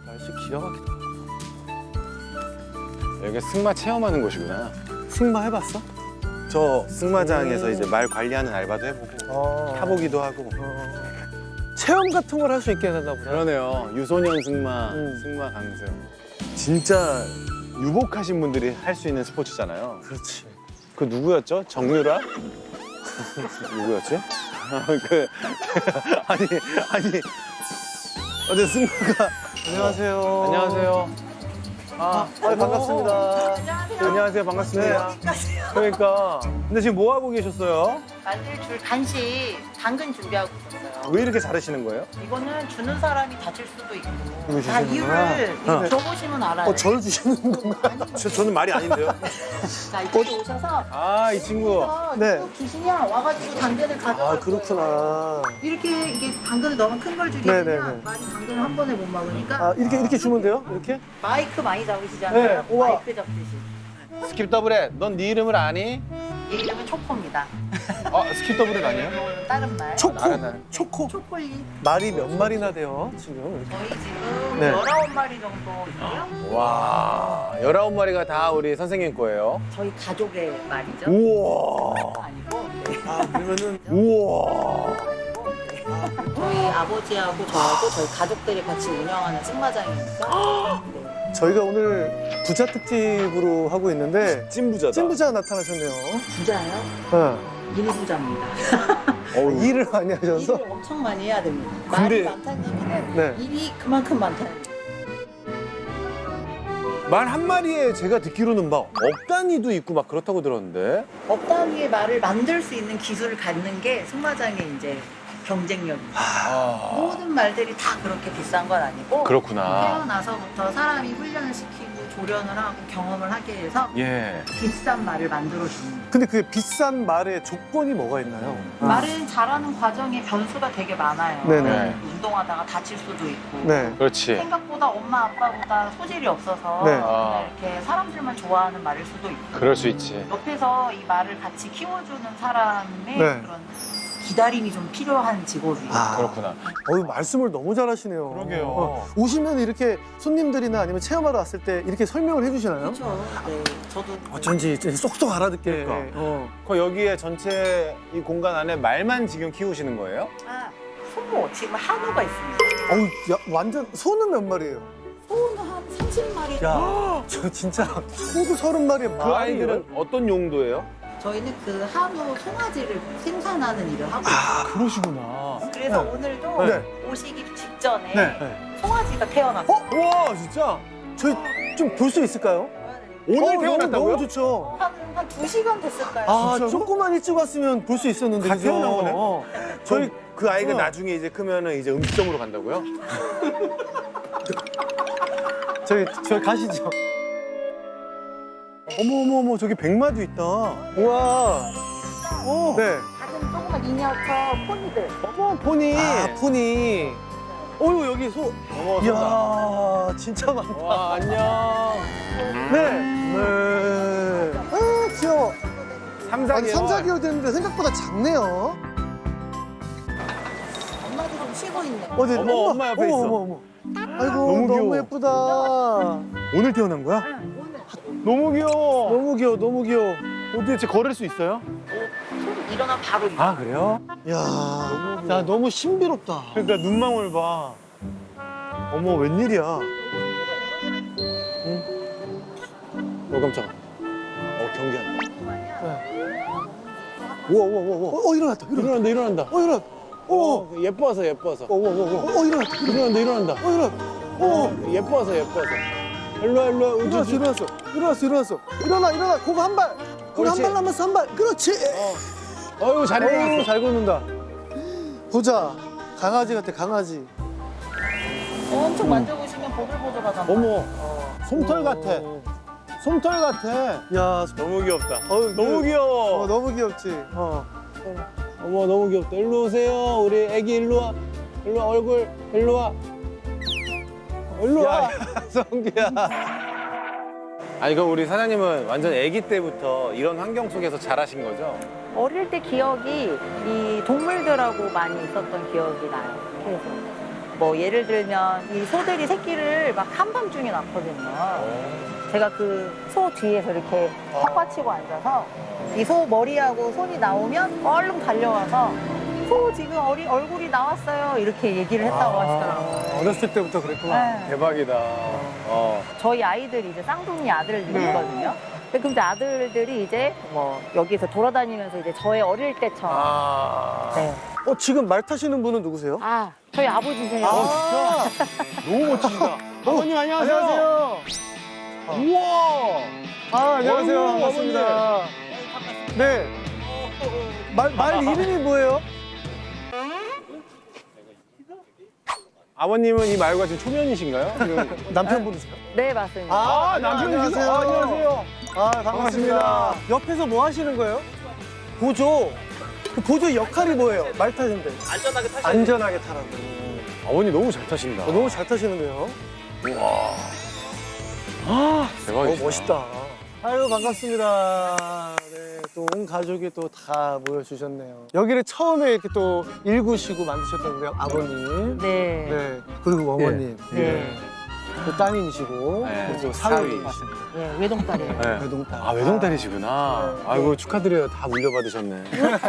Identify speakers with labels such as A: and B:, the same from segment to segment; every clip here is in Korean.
A: 날씨 기가 막히다.
B: 여기 승마 체험하는 곳이구나.
A: 승마 해봤어?
B: 저 승마장에서 이제 말 관리하는 알바도 해보고 타보기도 하고.
A: 체험 같은 걸 할 수 있게 해놨나 보다.
B: 그러네요. 유소년 승마, 승마 강습. 진짜 유복하신 분들이 할 수 있는 스포츠잖아요.
A: 그렇지.
B: 그 누구였죠? 정유라? 누구였지? 아니 어제 승마가.
A: 안녕하세요.
B: 안녕하세요.
A: 반갑습니다.
B: 안녕하세요. 반갑습니다. 그러니까 근데 지금 뭐 하고 계셨어요?
C: 만들 줄 간식 당근 준비하고 있었어요.
B: 왜 이렇게 잘하시는 거예요?
C: 이거는 주는 사람이 다칠 수도 있고
A: 이거
C: 다
A: 주시는구나.
C: 이유를 이거 줘보시면 알아요.
A: 절 주시는 건가요?
B: 저는 말이 아닌데요.
C: 자 이쪽에 오셔서
B: 아, 이 친구.
A: 네.
C: 쭉 주시면 와가지고 당근을 가져가.
A: 아, 그렇구나.
C: 이렇게 이게 당근을 너무 큰 걸 주게
A: 네네네.
C: 되면 많이 당근을 한 번에 못 먹으니까
A: 아, 이렇게 주면 돼요? 이렇게?
C: 마이크 많이 잡으시잖아요.
A: 네, 우와.
C: 마이크 잡듯이.
B: 스킵 더블렛, 넌 네 이름을 아니?
C: 이 이름은 초코입니다.
B: 스킵 더블렛 아니에요?
C: 이거는 다른 말.
A: 초코?
B: 알았나요?
A: 초코?
C: 초콜릿.
A: 말이 몇 마리나 돼요, 지금?
C: 저희 지금
A: 네.
C: 19마리 정도 있고요.
B: 와, 19마리가 다 우리 선생님 거예요.
C: 저희 가족의 말이죠.
B: 우와.
C: 아니고 네.
A: 아, 그러면은.
B: 우와.
C: 저희 아버지하고 저하고 저희 가족들이 같이 운영하는 승마장이니까 네.
A: 저희가 오늘 부자 특집으로 하고 있는데
B: 찐부자다.
A: 찐부자가 나타나셨네요.
C: 부자예요?
A: 네.
C: 미니 부자입니다.
A: 일을 많이 하셔서.
C: 일을 엄청 많이 해야 됩니다.
B: 근데-
C: 말이 많다는 얘기는
A: 네.
C: 일이 그만큼 많다는 얘기.
B: 말 한 마리에 제가 듣기로는 막 억 단위도 있고 막 그렇다고 들었는데.
C: 억 단위의 말을 만들 수 있는 기술을 갖는 게 승마장의 이제 경쟁력입니다.
B: 아,
C: 모든 말들이 다 그렇게 비싼 건 아니고
B: 그렇구나.
C: 태어나서부터 사람이 훈련을 시키고 조련을 하고 경험을 하게 해서
B: 예.
C: 비싼 말을 만들어주는 거예요.
A: 근데 그 비싼 말의 조건이 뭐가 있나요?
C: 말을 잘하는 과정에 변수가 되게 많아요.
A: 네네.
C: 운동하다가 다칠 수도 있고
A: 네.
B: 그렇지.
C: 생각보다 엄마 아빠보다 소질이 없어서
A: 네.
C: 그냥 이렇게 사람들만 좋아하는 말일 수도 있고
B: 그럴 수 있지.
C: 옆에서 이 말을 같이 키워주는 사람의
A: 네.
C: 그런 기다림이 좀 필요한 직업이에요.
A: 아.
B: 그렇구나.
A: 말씀을 너무 잘하시네요.
B: 그러게요.
A: 오시면 이렇게 손님들이나 아니면 체험하러 왔을 때 이렇게 설명을 해주시나요?
C: 그렇죠. 네, 저도
A: 어쩐지 쏙쏙 알아듣게.
B: 그러니까. 그 여기에 전체 이 공간 안에 말만 지금 키우시는 거예요?
C: 소모 지금 한우가 있습니다.
A: 어우, 야, 완전 소는 몇 마리예요?
C: 소는 한 30마리.
A: 야, 저 진짜 소도 30마리에
B: 그 아이들은 어떤 용도예요?
C: 저희는 그 한우 송아지를 생산하는 일을 하고
B: 아,
C: 있어요.
B: 그러시구나.
C: 그래서
A: 네.
C: 오늘도
A: 네.
C: 오시기 직전에
A: 네.
C: 송아지가 태어났어요.
B: 와, 진짜?
A: 저희 좀 볼 수 있을까요?
B: 오늘
A: 너무,
B: 태어났다고요?
A: 너무 좋죠.
C: 한 2시간 됐을까요?
A: 아,
B: 진짜로?
A: 조금만 일찍 왔으면 볼 수 있었는데.
B: 다
A: 그죠?
B: 태어난 거네?
A: 저희
B: 그 아이가
A: 어.
B: 나중에 이제 크면은 이제 음식점으로 간다고요?
A: 저희 가시죠. 어머, 저기 백마도 있다. 우와.
B: 오.
A: 네.
C: 작은 조그만 미니어처 포니들.
B: 어머, 포니.
A: 아, 포니. 어유 여기 소.
B: 어머, 쏜다.
A: 이야, 진짜 많다.
B: 와, 안녕.
A: 네. 네. 아, 귀여워. 아니,
B: 3, 4개월.
A: 3, 4개월 됐는데 생각보다 작네요.
C: 엄마도 좀 쉬고 있네.
A: 어디,
B: 어머, 엄마 옆에 있어.
A: 어머. 아이고,
B: 너무
A: 너무,
B: 귀여워.
A: 예쁘다. 오늘 태어난 거야?
C: 오늘
B: 너무 귀여워.
A: 너무 귀여워, 너무 귀여워.
B: 도대체 걸을 수 있어요?
C: 손 일어나 바로 일어나.
B: 아, 그래요?
A: 야, 너무 신비롭다.
B: 그러니까 눈망울 봐.
A: 어머, 웬일이야.
B: 깜짝아. 경계한다.
A: 우와. 일어났다.
B: 일어난다.
A: 일어났다.
B: 예뻐서.
A: 일어났다.
B: 일어난다. 예뻐서. 일로와.
A: 일어났어. 일어나. 고거 한 발. 거기 한
B: 그렇지.
A: 발 남았어, 한 발. 그렇지.
B: 어이구, 잘 일어났어.
A: 잘 걷는다. 보자. 강아지 같아, 강아지.
C: 엄청 만져보시면 보들보들하잖아.
B: 어머, 솜털 같아.
A: 어.
B: 솜털 같아.
A: 야,
B: 너무 귀엽다.
A: 어우,
B: 너무 귀여워.
A: 너무 귀엽지.
B: 어머, 너무 귀엽다. 일로 오세요. 우리 애기 일로 와. 일로 와, 얼굴. 일로 와. 일로 와. 성규야. 아니, 그럼 우리 사장님은 완전 아기 때부터 이런 환경 속에서 자라신 거죠?
C: 어릴 때 기억이 이 동물들하고 많이 있었던 기억이 나요. 그래서 뭐 예를 들면 이 소들이 새끼를 막 한밤중에 낳거든요. 제가 그 소 뒤에서 이렇게 턱 받치고 앉아서 이 소 머리하고 손이 나오면 얼른 달려와서 소 지금 얼굴이 나왔어요 이렇게 얘기를 했다고 하시더라고요.
A: 어렸을 때부터 그랬구나.
C: 네.
B: 대박이다.
C: 저희 아이들이 이제 쌍둥이 아들들이거든요. 근데 그럼 이제 아들들이 이제 뭐 여기서 돌아다니면서 이제 저의 어릴 때처럼. 네.
A: 지금 말 타시는 분은 누구세요?
C: 아, 저희 아버지세요.
B: 너무 멋지시다. 아버님 안녕하세요.
A: 안녕하세요.
B: 우와.
A: 안녕하세요.
B: 어이구,
A: 반갑습니다. 네. 말 이름이 뭐예요?
B: 아버님은 이 말과 지금 초면이신가요?
A: 남편분이세요?
C: 네, 맞습니다.
B: 남편이세요? 안녕하세요.
A: 반갑습니다. 옆에서 뭐 하시는 거예요? 보조. 그 보조 역할이 뭐예요? 말 타는데. 안전하게 타라고.
B: 아버님 너무 잘 타신다.
A: 너무 잘 타시는데요?
B: 대박이시다.
A: 멋있다. 아유, 반갑습니다. 네, 또 온 가족이 또 다 모여주셨네요. 여기를 처음에 이렇게 또 일구시고 만드셨던 우리 아버님.
C: 네.
A: 네. 그리고 어머님.
C: 네.
A: 또 따님이시고.
B: 네.
A: 그리고
B: 사위.
A: 사위.
C: 네, 외동딸이에요.
B: 네.
A: 외동딸.
B: 아, 외동딸이시구나.
A: 네.
B: 아이고, 축하드려요. 다 물려받으셨네.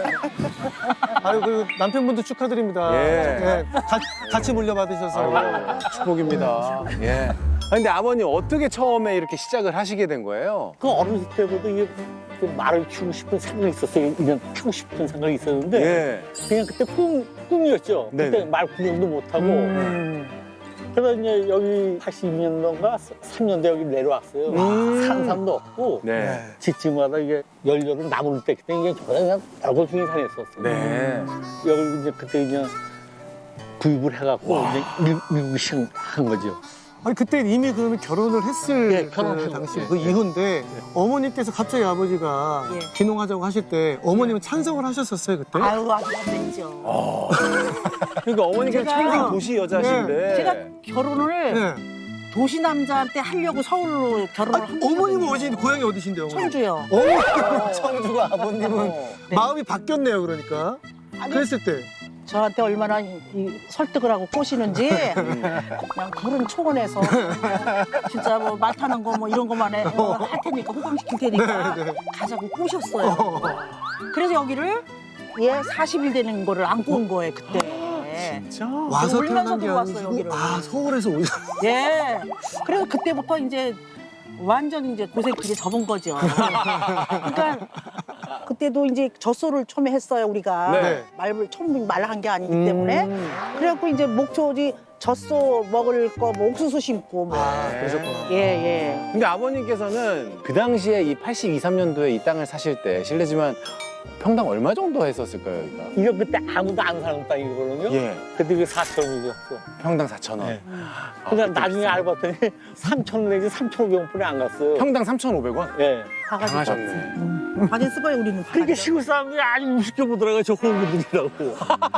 A: 아유, 그리고 남편분도 축하드립니다.
B: 예.
A: 네, 같이 물려받으셔서.
B: 아이고, 축복입니다. 예. 근데 아버님 어떻게 처음에 이렇게 시작을 하시게 된 거예요?
D: 그 어렸을 때부터 이게 그 말을 키우고 싶은 생각이 있었어요. 그냥 키우고 싶은 생각이 있었는데
B: 예.
D: 그냥 그때 꿈이었죠.
B: 네네.
D: 그때 말 구경도 못하고 그래서 이제 여기 82년도인가 3년대 여기 내려왔어요. 산삼도 없고
B: 네.
D: 집집마다 이게 연료를 나무를 때 그때 이게 그냥 얼굴 중에 산했었어요.
B: 네.
D: 여기 이제 그때 이제 구입을 해갖고 이제 미국이 시작한 거죠.
A: 아니, 그때 이미 그러면 결혼을 했을
D: 예,
A: 그
D: 결혼하고.
A: 당시
D: 예,
A: 그
D: 예.
A: 이후인데 어머님께서 갑자기 아버지가
C: 예.
A: 귀농하자고 하실 때 어머님은 찬성을 하셨었어요, 그때?
C: 아유, 아주 안 됐죠.
B: 그러니까 어머니가
C: 제가-
B: 천생 도시 여자신데.
C: 제가 결혼을
A: 네.
C: 도시 남자한테 하려고 서울로 결혼을 한
A: 어머님은 어디, 고향이 어디신데요? 어머니?
C: 청주요.
A: 어머님은 청주고 아버님은
C: 네.
A: 마음이 바뀌었네요, 그러니까.
C: 아니,
A: 그랬을 때.
C: 저한테 얼마나 설득을 하고 꼬시는지 그냥 그런 초원에서 진짜 뭐 말 타는 거 뭐 이런 거만 할 테니까 호강시킬 테니까 가자고 꼬셨어요. 그래서 여기를 40일 되는 거를 안고 온 거예요 그때.
B: 진짜?
A: 와서
C: 울면서
A: 태어난 게
C: 들어왔어요,
A: 아니고
C: 여기를.
A: 서울에서 오셨
C: 예. 그래서 그때부터 이제 완전 이제 고생길에 접은 거죠. 그러니까 그때도 이제 젖소를 처음에 했어요 우리가.
B: 네.
C: 말을 처음 말한 게 아니기 때문에. 그래갖고 이제 목초지 젖소 먹을 거 뭐 옥수수 심고 뭐.
A: 그러셨구나.
C: 예.
B: 근데 아버님께서는 그 당시에 이 82, 3년도에 이 땅을 사실 때 실례지만 평당 얼마 정도 했었을까요, 여기가?
D: 이거 그때 아무도 안 사는 땅이거든요.
B: 예.
D: 그때 이게 4,000원이었어.
B: 평당 4,000원.
D: 네.
B: 아,
D: 그러니까
B: 그때
D: 나중에
B: 비싸네.
D: 알아봤더니 3,000원 내지 3,500원뿐이 안 갔어요.
B: 평당 3,500원?
D: 예.
B: 당하셨네.
C: 많이 쓰 거예요 우리는.
D: 그러니까 시골 사람들이 아주 우습게 보더라고요. 저 호구들이라고.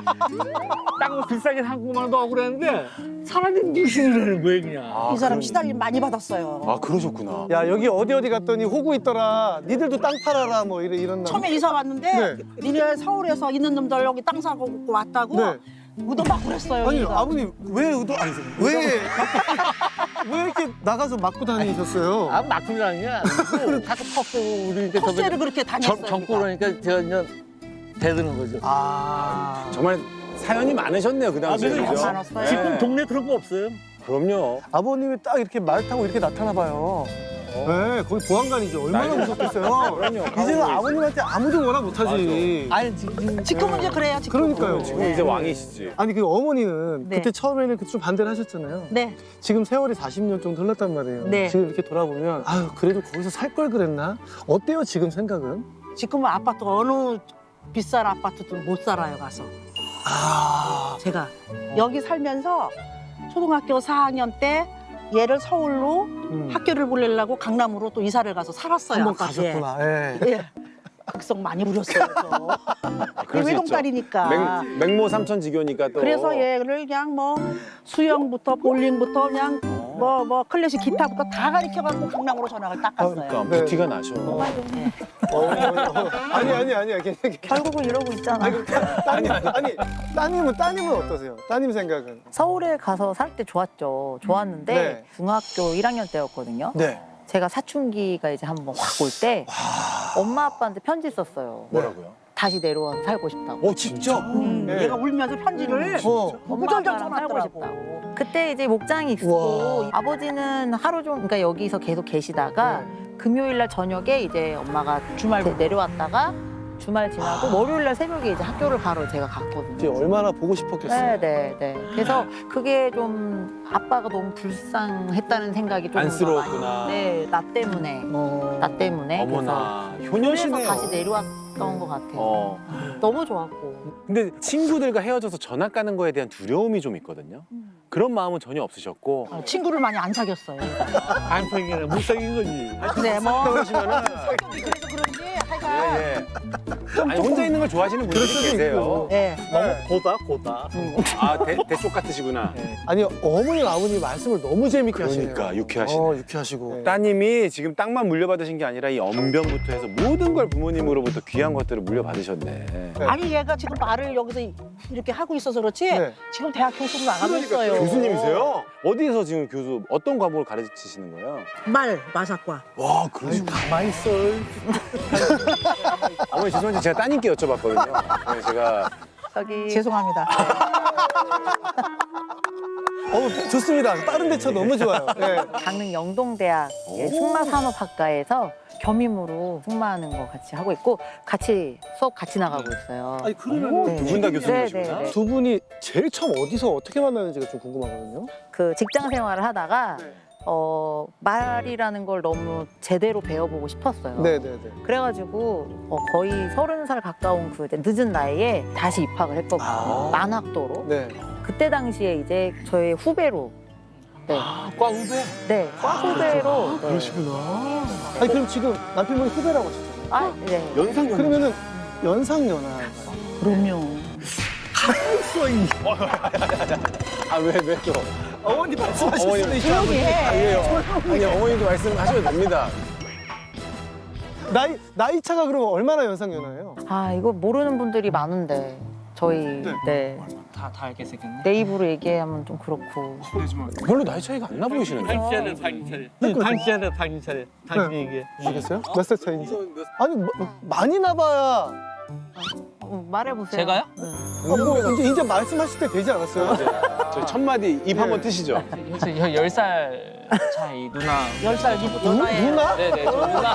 D: 땅을 비싸게 산것만도 억울했는데 사람들이 무시를 하는 거예요 그냥.
C: 이 사람 시달림 많이 받았어요.
B: 아, 그러셨구나.
A: 야, 여기 어디 갔더니 호구 있더라. 니들도 땅 팔아라. 뭐 이런.
C: 처음에 이사 왔는데
A: 네.
C: 니네 서울에서 있는 놈들 여기 땅 사고 왔다고
A: 네.
C: 무덤 막 그랬어요.
A: 아니,
C: 여기가.
A: 아버님, 왜 왜 이렇게 나가서 맞고 다니셨어요?
D: 아 막걸리라는 게 아니고 가서 턱 우리 이제
C: 턱세를 그렇게 다녔어요.
D: 젊고 그러니까 제가 이제 대드는 거죠.
B: 정말 사연이 많으셨네요, 그 당시에.
D: 그래서
B: 그죠?
C: 많았어요.
D: 지금 동네 그런 거 없어요.
B: 그럼요.
A: 아버님이 딱 이렇게 말 타고 이렇게 나타나 봐요. 네, 거기 보안관이죠. 얼마나 무섭겠어요.
B: 그럼요.
A: 이제는 아버님한테 아무도 원하 못하지.
D: 아니
C: 지금은 이제 그래요. 지금.
A: 그러니까요.
B: 지금 이제 왕이시지.
A: 아니, 그 어머니는
C: 네.
A: 그때 처음에는 좀 반대를 하셨잖아요.
C: 네.
A: 지금 세월이 40년 정도 흘렀단 말이에요.
C: 네.
A: 지금 이렇게 돌아보면 아유, 그래도 거기서 살 걸 그랬나? 어때요, 지금 생각은?
C: 지금은 아파트 어느 비싼 아파트도 못 살아요 가서. 제가 여기 살면서 초등학교 4학년 때 얘를 서울로 학교를 보내려고 강남으로 또 이사를 가서 살았어요.
A: 한번
C: 아파트에.
A: 가셨구나. 예.
C: 예. 극성 많이 부렸어요.
B: 그럴 수 있죠.
C: 외동딸이니까.
B: 맹모 삼천지교니까 또.
C: 그래서 얘를 그냥 뭐 수영부터 볼링부터 그냥 뭐 클래식 기타부터 다 가르쳐갖고 강남으로 전학을 딱 갔어요.
B: 그러니까
A: 네.
B: 부티가 나셔.
C: 네.
A: 아니야.
C: 결국은 이러고 있잖아.
A: 따님은 어떠세요? 따님 생각은?
E: 서울에 가서 살 때 좋았죠. 좋았는데
A: 네.
E: 중학교 1학년 때였거든요.
A: 네.
E: 제가 사춘기가 이제 한번 확 올 때 엄마 아빠한테 편지 썼어요.
B: 뭐라고요?
E: 다시 내려와서 살고 싶다고.
B: 직접?
A: 네.
C: 얘가 울면서 편지를
E: 엄마
C: 구절절
E: 아빠랑 살고
C: 써놨더라고.
E: 싶다고. 그때 이제 목장이 있고
A: 우와.
E: 아버지는 하루 종일 그러니까 여기서 계속 계시다가 금요일 날 저녁에 이제 엄마가 주말 내려왔다가 주말 지나고 월요일 날 새벽에 이제 학교를 가러 제가 갔거든요.
A: 이제 얼마나 보고 싶었겠어요.
E: 네. 그래서 그게 좀 아빠가 너무 불쌍했다는 생각이 좀
B: 안쓰러웠구나.
E: 네, 나 때문에. 나 때문에.
B: 어머나,
E: 그래서
B: 효녀시네요.
E: 다시 내려왔던 것 같아요. 너무 좋았고.
B: 근데 친구들과 헤어져서 전학 가는 거에 대한 두려움이 좀 있거든요. 그런 마음은 전혀 없으셨고.
C: 친구를 많이 안 사귀었어요.
D: 안 사귀는 못 사귄 거지.
C: 근데 뭐
B: 그러시면은
C: 성격이 그래서 그런지 하여간
B: 예. 아니 혼자 있는 걸 좋아하시는 분들이 계세요.
C: 네.
D: 너무 고다.
B: 아 대쪽 같으시구나.
A: 아니 어머니 아버님 말씀을 너무 재밌게 하시네요.
B: 그러니까 유쾌하시네.
A: 유쾌하시고.
B: 따님이 지금 땅만 물려받으신 게 아니라 이 언변부터 해서 모든 걸 부모님으로부터 귀한 것들을 물려받으셨네.
C: 아니 얘가 지금 말을 여기서 이렇게 하고 있어서 그렇지
A: 네.
C: 지금 대학 교수로 나가고 있어요.
B: 교수님이세요? 어디서 지금 교수 어떤 과목을 가르치시는 거예요?
C: 마사과.
B: 와, 그러시고
D: 가만히 있어.
B: 어머니 죄송한데 제가 따님께 여쭤봤거든요. 그래서 제가
E: 저기
C: 죄송합니다.
A: 좋습니다. 다른 데쳐 너무 좋아요. 네.
E: 강릉 영동대학 승마산업학과에서 겸임으로 승마하는 거 같이 하고 있고 같이 수업 같이 나가고 있어요.
A: 아니 그러면
E: 네.
B: 두 분 다 교수님이시구나.
E: 네.
A: 두 분이 제일 처음 어디서 어떻게 만나는지가 좀 궁금하거든요.
E: 그 직장 생활을 하다가 말이라는 걸 너무 제대로 배워보고 싶었어요.
A: 네네네.
E: 그래가지고 거의 30살 가까운 그 늦은 나이에 다시 입학을 했거든요. 만학도로.
A: 네.
E: 그때 당시에 이제 저의 후배로. 네.
D: 과 후배?
E: 네. 과 후배로. 네.
A: 그러시구나. 아니 그럼 지금 남편분이 후배라고 하셨잖아요.
E: 아, 네.
B: 연상
A: 그러면은 연상연하.
C: 그럼요.
B: 아왜 또?
A: 어머니
B: 어머니
C: 조용히 해.
B: 아니 어머니도 말씀하셔도 됩니다.
A: 나이 차가 그러면 얼마나 연상연하예요?
E: 아, 이거 모르는 분들이 많은데. 저희, 네.
F: 다 알게 생겼네.
E: 내 입으로 얘기하면 좀 그렇고.
B: 별로 나이 차이가 안 나 보이시는데.
D: 당신 차례. 당신 얘기해.
A: 아시겠어요? 몇 살 차이인지? 아니 많이 나봐야.
E: 말해보세요.
F: 제가요?
E: 네.
A: 이제 말씀하실 때 되지 않았어요?
B: 저 첫 마디 입 한번 트시죠.
F: 저 10살 차이 누나.
C: 10살
A: 누나?
F: 네네, 저 누나.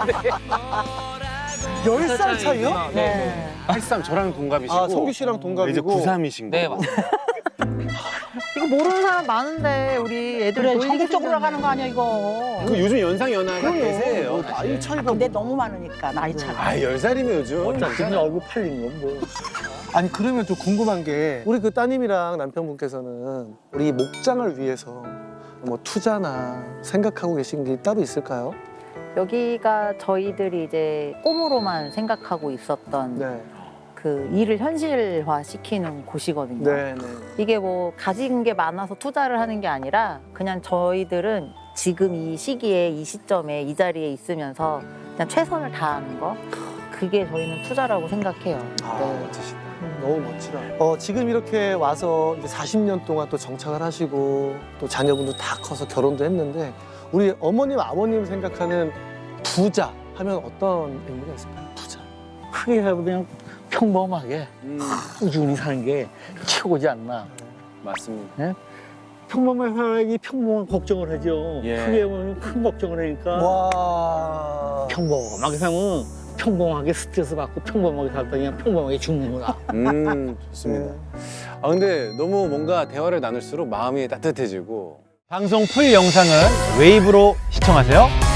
A: 10살 차이요?
F: 누나. 네.
B: 83 저랑 동갑이시고.
A: 아 성규 씨랑 동갑이고.
B: 이제 93이신
F: 네,
B: 거고.
F: 맞습니다.
E: 이거 모르는 사람 많은데 우리 애들
C: 그래
E: 보이게
C: 전국적으로
E: 생겼네.
C: 나가는 거 아니야 이거.
B: 그 요즘 연상 연하가 대세예요.
A: 나이 차이가.
C: 근데 너무 많으니까 나이 차가.
B: 아 10살이면 요즘.
D: 어차피 얼굴 팔린 건 뭐.
A: 아니 그러면 좀 궁금한 게 우리 그 따님이랑 남편분께서는 우리 목장을 위해서 뭐 투자나 생각하고 계신 게 따로 있을까요?
E: 여기가 저희들이 이제 꿈으로만 생각하고 있었던
A: 네.
E: 그 일을 현실화 시키는 곳이거든요.
A: 네, 네.
E: 이게 뭐 가진 게 많아서 투자를 하는 게 아니라 그냥 저희들은 지금 이 시기에 이 시점에 이 자리에 있으면서 그냥 최선을 다하는 거 그게 저희는 투자라고 생각해요. 네.
A: 멋지시다. 너무 멋지다. 지금 이렇게 와서 이제 40년 동안 또 정착을 하시고 또 자녀분도 다 커서 결혼도 했는데 우리 어머님, 아버님 생각하는 부자 하면 어떤 의미가 있을까요? 부자.
D: 크게 해도 그냥 평범하게 꾸준히 사는 게 최고지 않나.
B: 맞습니다.
D: 평범한 사람이 평범한 걱정을 하죠.
B: 예.
D: 크게 보면 큰 걱정을 하니까
A: 와.
D: 평범하게 살면 평범하게 스트레스 받고 평범하게 살다 그냥 평범하게 죽는구나.
B: 좋습니다. 아 근데 너무 뭔가 대화를 나눌수록 마음이 따뜻해지고. 방송 풀 영상은 웨이브로 시청하세요.